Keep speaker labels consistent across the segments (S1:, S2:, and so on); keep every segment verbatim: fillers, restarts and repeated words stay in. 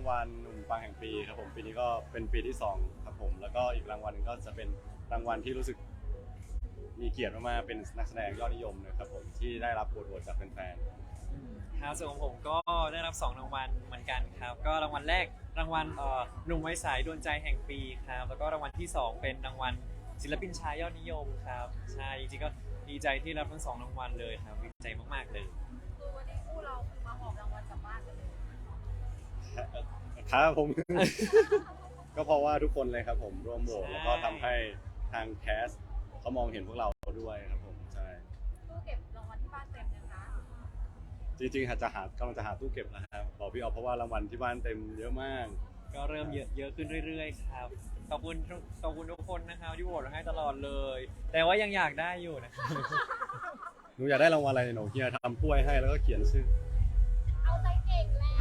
S1: วัลหนุ่มปังแห่งปีครับผมปีนี้ก็เป็นปีที่สองครับผมแล้วก็อีกรางวัลหนึงก็จะเป็นรางวัลที่รู้สึกมีเกียรติมากๆเป็นนักแสดงยอดนิยมนะครับผมที่ได้รับโหวตจากแฟน
S2: ครับส่วนของผมก็ได้รับสองรางวัลเหมือนกันครับก็รางวัลแรกรางวัลเอ่อหนุ่มไว้สายดวงใจแห่งปีครับแล้วก็รางวัลที่สองเป็นรางวัลศิลปินชายยอดนิยมครับใช่จริงๆก็ดีใจที่รับทั้งสองรางวัลเลยครับดีใจมากๆเลย
S3: คือวันนี้คู่เราคือมาหอบรางวัลกลับบ้านกันเลย
S1: ๆครับผม ก็เพราะว่าทุกคนเลยครับผมร่วมโหวตแล้วก็ทำให้ทางแคสเขามองเห็นพวกเราด้วยครับผมใช่
S3: ตู้เก็บรางวัลที่บ้านเต็มนะคะ
S1: จริงๆอาจจะหากำลังจะหาตู้เก็บนะครับบอกพี่ออฟเพราะว่ารางวัลที่บ้านเต็มเยอะมาก
S2: ก็เริ่มเยอะเยอะขึ้นเรื่อยๆครับขอบคุณทุกขอบคุณทุกคนนะครับที่โหวตให้ตลอดเลย แต่ว่ายังอยากได้อยู่นะครับ
S1: หนูอยากได้รางวัลอะไรหนูเฮียทำถ้วยให้แล้วก็เขียนชื่อ
S3: เอาใจเก่งแหละ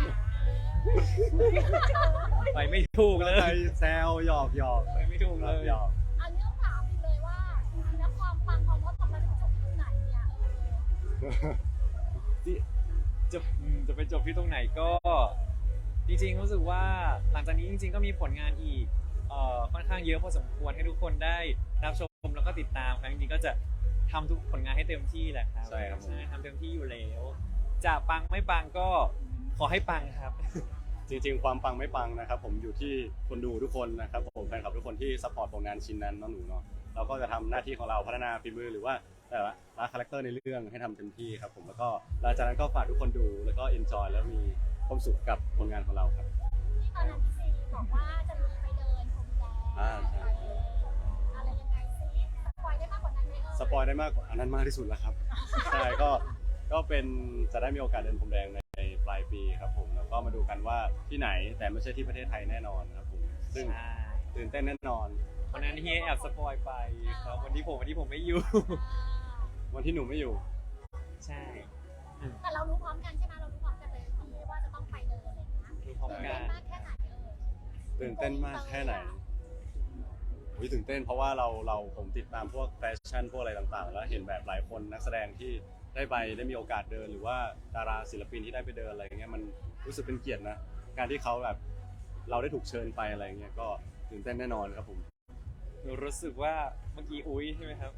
S2: ไปไม่ถูกเลย
S1: ใครแซวหยอกหยอก
S2: ไปไม่ถูก
S1: ค
S2: เล
S1: รับ
S2: ย
S1: หยอก
S3: อันนี้ต้องถามอีกเลยว่าจริงๆแล้วความปังของมดทำมาถึงจบที่ไหนเนี่ยเออ
S2: ที่จะอืมจะไปจบที่ตรงไหนก็ จริงๆรู้สึกว่าหลังจากนี้จริงๆก็มีผลงานอีกเอ่อค่อนข้างเยอะพอสมควรให้ทุกคนได้รับชมแล้วก็ติดตามครับจริงๆก็จะทำทุกผลงานให้เต็มที่แหละครับ
S1: ใช่ครับผม
S2: ใช่ทำเต็มที่อยู่แล้ว จะปังไม่ปังก็ขอให้ปังครับ
S1: จริงๆ ความปังไม่ปังนะครับผมอยู่ที่คนดูทุกคนนะครับผมแฟนคลับทุกคนที่ซัพพอร์ตผลงานชิ้นนั้นเน้องหนูเนาะเราก็จะทำหน้าที่ของเราพัฒนาฝีมือหรือว่าแต่ละละคาแรคเตอร์ในเรื่องให้ทำเต็มที่ครับผมแล้วก็หลังจากนั้นก็ฝากทุกคนดูแล้วก็เอนจอยแล้วมีความสุขกับผลงานของเราครับ
S3: ที่ตอนนั้นพี่ซีบอกว่าจะมีไปเดินพรมแดง
S1: อ่าใช่
S3: อะไรยังไงซิสปอยได้มากกว่านั้นไหมเออ
S1: สปอยได้มากกว่าอันนั้นมากที่สุดแล้วครับใช่ก็ก็เป็นจะได้มีโอกาสเดินพรมแดงในปลายปีครับผมแล้วก็มาดูกันว่าที่ไหนแต่ไม่ใช่ที่ประเทศไทยแน่นอนครับผมซึ่ง
S2: ใช่
S1: ตื่นเต้นแน่นอน
S2: วันนั้นเฮียแอบสปอยไปครับวันที่ผมวันที่ผมไม่อยู่
S1: วันที่หนูไม่อยู่
S2: ใช่
S3: แต่เรารู้พร้อมกันใช่ไหมเรารู้พร้อมกันเลยที่ว่าจะต้องไปเดินอะไรอย่างเงี้ย
S2: รู้พร้อม
S3: ตื่น
S2: กั
S3: เต้น
S2: น
S3: มากแค่ไหนเออ
S1: ตื่นเต้นมากแค่ไหนอุ๊ยตื่นเต้นเพราะว่าเราเราผมติดตามพวกแฟชั่นพวกอะไรต่างๆ แล้วเห็นแบบหลายคนนักแสดงที่ได้ไปได้มีโอกาสเดิน หรือว่าดาราศิลปินที่ได้ไปเดินอะไรอย่างเงี้ยมันรู้สึกเป็นเกียรตินะการที่เขาแบบเราได้ถูกเชิญไปอะไรอย่างเงี้ยก็ตื่นเต้นแน่นอนครับผม
S2: หนูรู้สึกว่าเมื่อกี้อุ้ยใช่ไหมครับ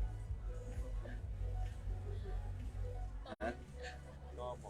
S1: นะ
S2: ก็บอก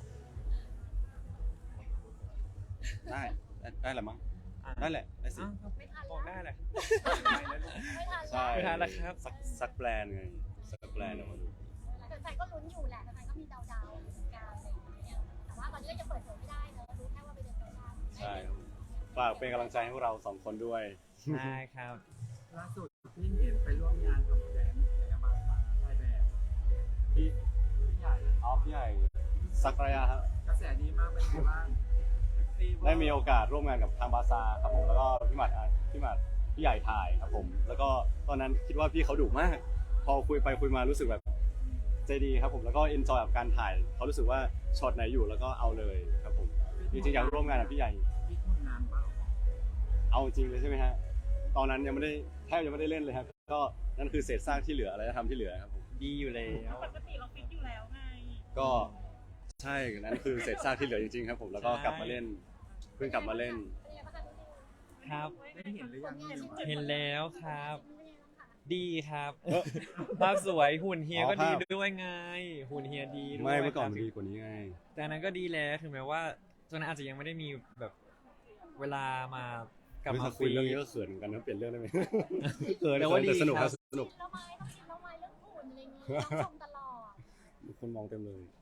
S1: ได้ได้ได้แหละมั้ง
S2: อ่ะ
S1: ได้แหละได้สิ
S2: อ้าวครับ
S3: ไม่ทัน
S2: บอก
S3: แล้ว
S2: ได้แหละ
S3: ไม่ทัน
S1: ใช่
S2: ไม่ทันแล้วครับ
S1: สักสักแบรนด์ไงสักแบรนด์ออกมาดู
S3: แต่แฟนก็ลุ้นอยู่แหละแต่แฟนก็มีเดาๆอยู่เหมือนกันอะไรอย่างเงี้ยแต่ว่าตอนนี้ก็ยังเปิดเผยไม่ได้เนอะรู้แค่ว่าไปเดินแฟชั่น
S1: ใช่ครับฝากเป็นกำลังใจให้พวกเราสองคนด้วย
S2: ใช่ครับ
S4: ล่าสุดที่เห็นไปร่วมงานกับแดนในมาตาถ่ายแบบที่ใหญ่
S1: ออฟใหญ่สักระยะครับ
S4: กระแสดีมากเป็นไงบ้าง
S1: ได้มีโอกาสร่วมงานกับทางบาซาครับผมแล้วก็พี่หมัดอ่ะพี่หมัดพี่ใหญ่ถ่ายครับผมแล้วก็ตอนนั้นคิดว่าพี่เขาดุมาก พอคุยไปคุยมารู้สึกแบบใจดีครับผมแล้วก็เอนจอยกับการถ่ายเขารู้สึกว่าช็อตไหนอยู่แล้วก็เอาเลยครับผมจริงๆอยากร่วมงานกับพี่ใหญ่
S4: พี่ทุ่มนานเปล่า
S1: เอาจริงเลยใช่ไหมฮะตอนนั้นยังไม่ได้แทบยังไม่ได้เล่นเลยครับก็นั่นคือเศษซากที่เหลืออะไรจะทำที่เหลือครับผม
S2: ดีอยู่แล้ว
S5: ปกติเราฟิตอยู่แล้วไง
S1: ก็ใช่นั่นคือเศษซากที่เหลือจริงๆครับผมแล้วก็กลับมาเล่นเพิ่งกลับมาเล่น
S3: เป็นไงบ้างคะ
S2: ครับ
S4: ได้เห็นหรือยัง
S2: เห็นแล้วครับ
S3: เป็นไงบ้างคะ
S2: ดีครับ
S1: เอ้อ
S2: ภาพสวยหุ่นเฮีย
S1: อ๋อ
S2: ก็ดี
S1: ภาพ
S2: ด้วยไง หุ่นเฮียดีด้วย
S1: ไม่เมื่อก่อน
S2: ครับ
S1: มันดีกว่านี้ไง
S2: แต่อันนั้นก็ดีแล้วถึงแม้ว่าตอนนั้นอาจจะยังไม่ได้มีแบบเวลามากลับ
S1: เฮ้ย
S2: มา
S1: ถ้า
S2: คุ
S1: คุย
S2: ย
S1: เรื่องนี้ก็เขินเหมือนกันนะเปลี่ยนเรื่องได้ไหม เขิน
S2: แต่ว่าดี
S1: แต่สนุก
S2: ค
S1: ค
S2: รั
S1: รับ บสนุก
S3: ชิมแล้วไหมต้องชิมแล้วไหมเรื่องหุ่นอะไรอย่างงี้ต้องชมตลอด
S1: คนมองเต็มเลย
S3: อ่ะ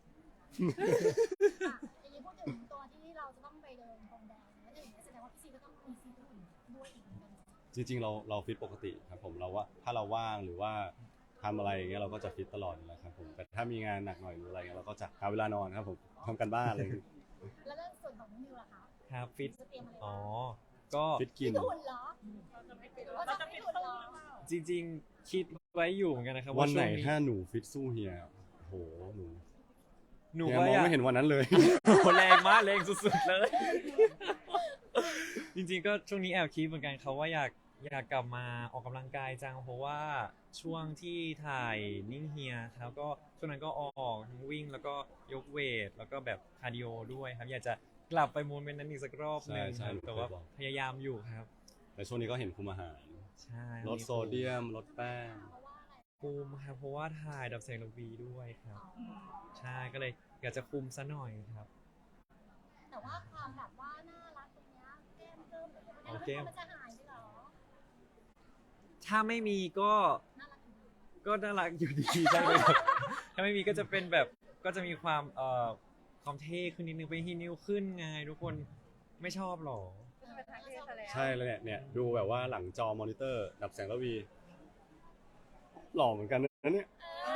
S3: อย่างนี้พูดถึงตัวที่เราจะต้องไปเดินพรมแดงแล้วอย่างนี้แสดงว่าพี่ซีก็ต้องมีซีหุ่นด้วยอีกเหมือนกัน
S1: จริงๆเราเราฟิตปกติครับผมเราว่าถ้าเราว่างหรือว่าทำอะไรอย่างเงี้ยเราก็จะฟิตตลอดอยู่แล้วครับผมแต่ถ้ามีงานหนักหน่อยหรืออะไรเงี้ยเราก็จะหาเวลานอนครับผมทำกันบ้านอะไรอย่างเงี้ย
S3: แล้วเรื่องส่วนของนิวล่ะคะ
S2: ครับฟิต
S3: จะเตรียมอะไร
S2: อ๋อ
S3: บ้าง
S2: ก็
S1: ฟิตกิน
S3: ฟิตหุ่นเหรอ
S5: เราจะไม่ฟิต
S3: เราจะฟิตหุ่นเหรอ
S2: จริงๆ คิดไว้อยู่เหมือนกันนะครับ
S1: วันไหน
S2: ช่ง
S1: ถ้าหนูฟิตสู้เฮียโอ้โหหนู
S2: หนู
S1: เฮีย
S2: ก็
S1: มอง
S2: อยาก
S1: ไม่เห็นวันนั้นเลย
S2: โอ้โหแรงมากแรงสุดๆเลย จริงๆก็ช่วงนี้แอบคิดเหมือนกันครับว่าอยากอยากกลับมาออกกำลังกายจังเพราะว่าช่วงที่ถ่ายนิ่งเฮียครับก็ช่วงนั้นก็ออกทั้งวิ่งแล้วก็ยกเวท แล้วก็แบบคาร์ดิโอด้วยครับอยากจะกลับไปโมเมนต์นั้นอีกสักรอบหนึ่ง
S1: ใช่
S2: ครับ
S1: ใช่
S2: แต่ว่า
S1: เคยบอก
S2: พยายามอยู่ครับ
S1: แต่ช่วงนี้ก็เห็นคุมอาหาร
S2: ใช่
S1: ลดโซเดียมลดแป้ง
S3: เพราะว่าอะไร
S2: คุมครับเพราะว่าถ่ายดับแสงระวีด้วยครับ
S3: อ๋อ
S2: ใช่ก็เลยอยากจะคุมซะหน่อยครับ
S3: แต่ว่าความแบบว่าน่ารักตรงเนี้ยแก้มเพิ่มหรืออะไร
S2: เอาแก้ม
S3: มันจะหายไปเหรอ
S2: ถ้าไม่มีก็
S3: น่ารักอยู่ดี
S2: ก็น่ารักอยู่ดี ใช่ไหมครับ ถ้าไม่มีก็จะเป็นแบบก็จะมีความเอ่อความเท่ขึ้นนิดนึงเป็นฮีนิวขึ้นไงทุกคนไม่ชอบหรอ
S5: จะเป็นทางเทศซะแล้ว
S1: ใช่เลยเนี่ยเนี่ยดูแบบว่าหลังจอมอนิเตอร์ ดับแสงระวี หล่อเหมือนกันนะเนี่ย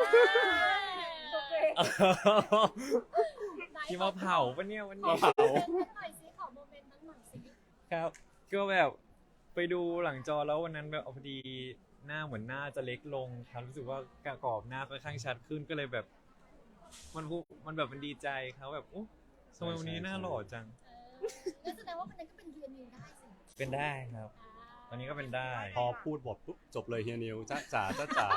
S3: เออ
S2: ที่มาเผาปะเนี่ยวัน
S3: ข
S2: นี้
S3: อโมเมนต์นั้นหน่อยสิขอโมเมนต์นั้นหน่อยสิ
S2: ครับ ก็แบบไปดูหลังจอแล้ววันนั้นแบบพอดีหน้าเหมือนหน้าจะเล็กลงครับรู้สึกว่ากระกรอบหน้าค่อนข้างชัดขึ้นก็เลยแบบ มันภูมันแบบมันดีใจครับแบบโอ้ทำไมวันนี้หน้าหล่อจัง
S3: เอองั้นแสดงว่ามันนั้นก็เป็นเรียนนิวได้สิ
S2: เป็นได้ครับ ตอนนี้ก็เป็นได้
S1: พอพูดบทปุ๊บจบเลยเฮียนิวจ้าจ๋าจ้าจ๋า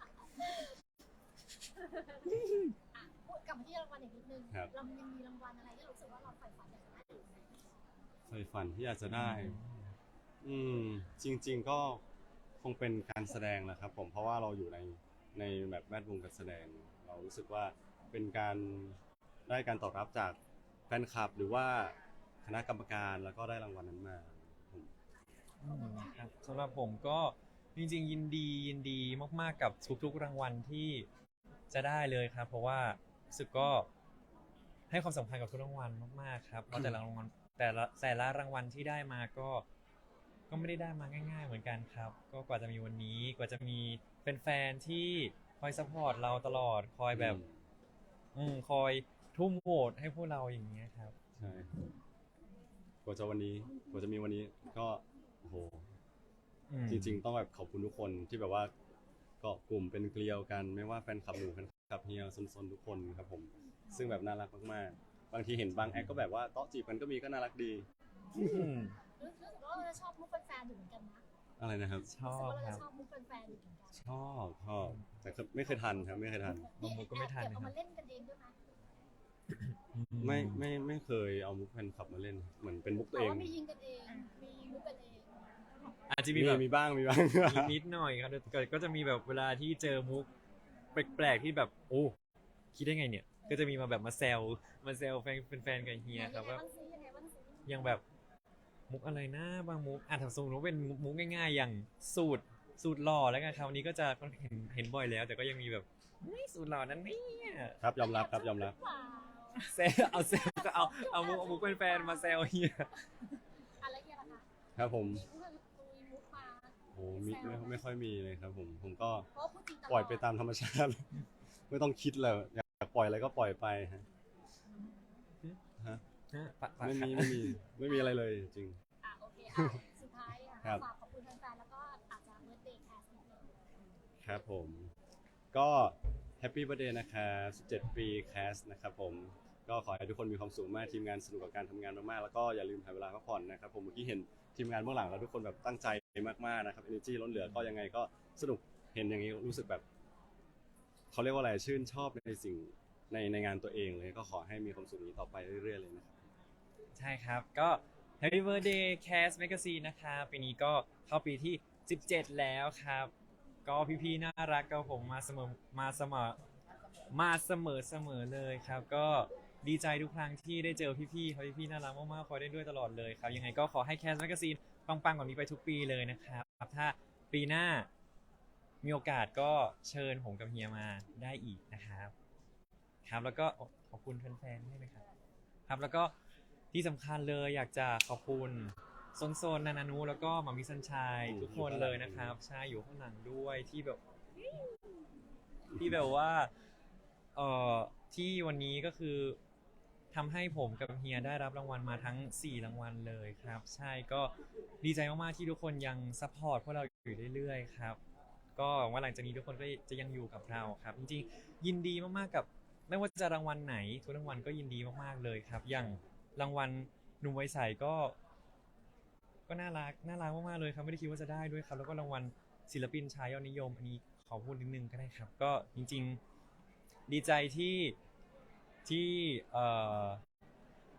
S3: อ่ะพูดกลับมาที่รางวัลอีกนิดนึง
S1: ครับ
S3: เรายังมีรางวัลอะไรที่เรารู้สึกว่าเราใฝ่ฝันอยากได้อยู่ไหม
S1: ใฝ่ฝันที่อยากจะได้ อืม จริง ๆ ก็คงเป็นการแสดงแหละครับผมเพราะว่าเราอยู่ในในแบบแวดวงการแสดง เรารู้สึกว่าเป็นการได้การตอบรับจากแฟนคลับ หรือว่าคณะกรรมการแล้วก็ได้รางวัลนั้นมาผม
S2: อืมครับสำหรับผมก็จริงๆยินดียินดีมากๆกับทุกๆรางวัลที่จะได้เลยครับ เพราะว่ารู้สึกก็ให้ความสำคัญกับทุกรางวัลมากๆครับเพราะแต่ละรางวัลแต่ละแต่ละรางวัลที่ได้มาก็ ก็ไม่ได้ได้มาง่ายๆเหมือนกันครับ ก็กว่าจะมีวันนี้กว่าจะมีแฟนๆที่คอยซัพพอร์ตเราตลอดคอยแบบ อืมคอยทุ่มโหวตให้พวกเราอย่างเงี้ยครับ
S1: ใช่กว่าจะวันนี้กว่าจะมีวันนี้ก็โอ้โห
S2: อืม
S1: จริง ๆ ต้องแบบขอบคุณทุกคนที่แบบว่าเกาะกลุ่มเป็นเกลียวกัน ไม่ว่าแฟนคลับหนูแฟนคลับเฮียซนๆทุกคนครับผม ซึ่งแบบน่ารักมากๆ บางทีเห็นบางแอคก็แบบว่าเตาะจีบกันก็มีก็น่ารักดี
S2: อืม
S3: รู้สึกว่าเราจะชอบมุกแฟนๆอยู่เหมือนกันนะ
S1: อะไรนะครับ
S2: ชอ
S3: รู้สึก
S2: บ
S3: ว่าเรา
S2: ค
S3: จะ
S2: รับ
S3: ชอบมุกแฟนๆอยู่เหมือนกัน
S1: ชอบชอบแต่ก็ไม่เคยทันครับไม่เคยทัน
S2: บางมุกก็ไม่ทัน
S3: แอบเก็บเอา
S2: นะครับ
S3: มาเล่นกันเองด้วยไหม
S1: ไม่ไม่ไม่เคยเอามุกแฟนคลับมาเล่น เหมือนเป็นมุกตัว
S3: แต่
S1: เอง
S3: ว่ามียิงกันเอง มีมุกกันเอง
S2: อาจจะ
S1: มี
S2: มีแบบ
S1: มีบ้างมีบ้าง
S2: มีนิดหน่อยครับแต่ก็จะมีแบบเวลาที่เจอมุกแปลกๆที่แบบโอ้คิดได้ไงเนี่ย ก็จะมีมาแบบมาแซวมาแซวแฟนแฟนๆกับเฮียครับว่า
S3: ยังไงบ้างซิยังไงบ้างซิ
S2: ยังแบบมุกอะไรนะบางมุกอ่ะถ้าสมมติว่าเป็นมุกง่ายๆ อย่างสูตรสูตรหล่อแล้วกันครับวันนี้ก็จะเห็นเห็นบ่อยแล้ว แต่ก็ยังมีแบบไม่สูตรหล่อนั้นเนี่ย
S1: ครับยอมรับครับยอมรับ
S3: ว้าว
S2: แซวเอาแซวก็เอาเอามุกเอามุกเป็นแฟนมาแซวเฮีย
S3: อะไรเงี้ยล่ะคะ
S1: ครับผม
S3: มีมุกมีมุกมา
S1: โอ้มีไม่ไม่ค่อยมีเลยครับผม ผมก็
S3: เพราะพูดจริงตลอด
S1: ปล่อยไปตามธรรมชาติ ไม่ต้องคิดเลยอยากปล่อยอะไรก็ปล่อยไปฮะฮะ
S2: ฮะปะปะ
S1: ไม่มีไม่มีไม่มีอะไรเลยจริง
S3: อ่ะโอเคอ่ะสุดท้ายอ่ะ
S1: ครับ
S3: ฝากขอบคุณแฟนๆแล้วก็อาจจะเบิร์ดเดย์แคสนิดนึง
S1: ครับผม ก็แฮปปี้เบ t ร์ a เดย์นะครับสิบเจ็ดปีแคสนะครับผม ก็ขอให้ทุกคนมีความสุขมากทีมงานสนุกกับการทำงานมากๆ แล้วก็อย่าลืมหาเวลาพักผ่อนนะครับผมเมื่อกี้เห็นทีมงานเบื้องหลังแล้วทุกคนแบบตั้งใจมากๆนะครับ energy ล้นเหลือก็ยังไงก็สนุกเห็นอย่างนี้รู้สึกแบบเขาเรียกว่าอะไรชื่นชอบในสิ่งในในงานตัวเองเลยก็ขอให้มีความสุขนี้ต่อไปเรื่อยๆเลยนะครับ
S2: ใช่ครับ ก็ Happy Birthday Cast Magazine นะครับปีนี้ก็เข้าปีที่สิบเจ็ดแล้วครับ ก็พี่ๆน่ารักกับผมมาเสมอมาเสมอมาเสมอเสมอเลยครับ ก็ดีใจทุกครั้งที่ได้เจอพี่ๆเขาพี่ๆน่ารักมากๆคอยได้ด้วยตลอดเลยครับ ยังไงก็ขอให้ Cast Magazine ปังๆแบบนี้ไปทุกปีเลยนะครับถ้าปีหน้ามีโอกาสก็เชิญผมกับเฮียมาได้อีกนะครับ ครับแล้วก็ขอบคุณแฟนๆด้วยนะครับครับแล้วก็ที่สำคัญเลยอยากจะขอบคุณโซนโซนนานานุแล้วก็หมามิสันชัย
S1: อืม
S2: ทุกคนเลยนะครับใช่อยู่ข้างหลังด้วยที่แบบ ที่แบบว่าเอ่อที่วันนี้ก็คือทำให้ผมกับเฮียได้รับรางวัลมาทั้งสี่รางวัลเลยครับ ใช่ก็ดีใจมากๆที่ทุกคนยังซัพพอร์ตพวกเราอยู่เรื่อยๆครับ ก็หวังว่าหลังจากนี้ทุกคนก็จะยังอยู่กับเราครับ จริงๆยินดีมากๆกับไม่ว่าจะรางวัลไหนทุกรางวัลก็ยินดีมากๆเลยครับ อย่างรางวัลหนุ่มวัยใสก็ ก็น่ารักน่ารักมากๆเลยครับไม่ได้คิดว่าจะได้ด้วยครับ แล้วก็รางวัลศิลปินชายยอดนิยม อันนี้ขอพูดนิดนึงก็ได้ครับ ก็จริงๆดีใจที่ที่เอ่อ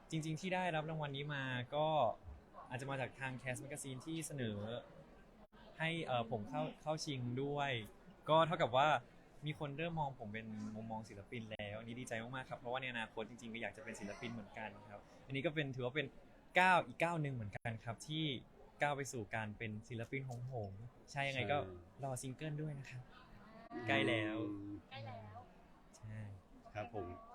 S2: จริง ๆ ที่ได้รับรางวัลนี้มาก็อาจจะมาจากทางแคส Magazine ที่เสนอให้เอ่อผมเข้าเข้าชิงด้วย ก็เท่ากับว่ามีคนเริ่มมองผมเป็นมุมมองศิลปินแล้วอันนี้ดีใจมากๆครับเพราะว่าในอนาคตจริงๆก็อยากจะเป็นศิลปินเหมือนกันครับอันนี้ก็เป็นถือว่าเป็นก้าวอีกก้าวหนึ่งเหมือนกันครับที่ก้าวไปสู่การเป็นศิลปินของผมใช่ยังไงก็รอซิงเกิลด้วยนะครับ ใกล้แล้ว
S1: อืม
S3: ใกล้แล้ว
S2: ใช่
S1: ครับผม
S3: โอ